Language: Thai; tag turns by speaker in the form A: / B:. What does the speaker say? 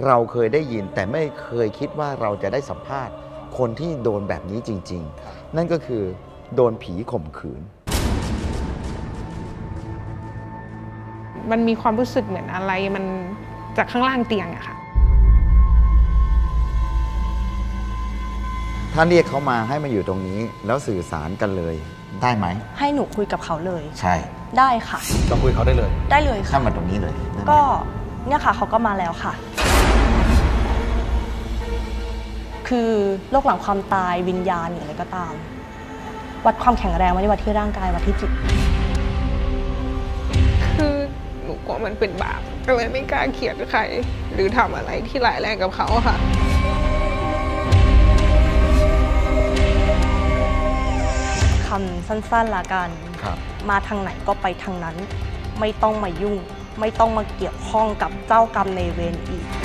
A: เราเคยได้ยินแต่ไม่เคยคิดว่าเราจะได้สัมภาษณ์คนที่โดนแบบนี้จริงๆนั่นก็คือโดนผีข่มขืน
B: มันมีความรู้สึกเหมือนอะไรมันจากข้างล่างเตียงอะค่ะ
A: ถ้าเรียกเขามาให้มาอยู่ตรงนี้แล้วสื่อสารกันเลยได้ไหม
C: ให้หนูคุยกับเขาเลย
A: ใช่
C: ได้ค่ะ
D: เราคุยเขาได้เลย
C: ค่ะ
A: ถ้ามาตรงนี้เลย
C: ก็เนี่ยค่ะเขาก็มาแล้วค่ะคือโรคหลังความตายวิญญาณหรืออะไรก็ตามวัดความแข็งแรงไม่ได้วัดที่ร่างกายวัดที่จิต
B: คือหนูกลัวมันเป็นบาปก็เลยไม่กล้าเขียนใครหรือทำอะไรที่ร้ายแรงกับเขาค่ะ
C: คำสั้นๆละกันมาทางไหนก็ไปทางนั้นไม่ต้องมายุ่งไม่ต้องมาเกี่ยวข้องกับเจ้ากรรมในเวรอีก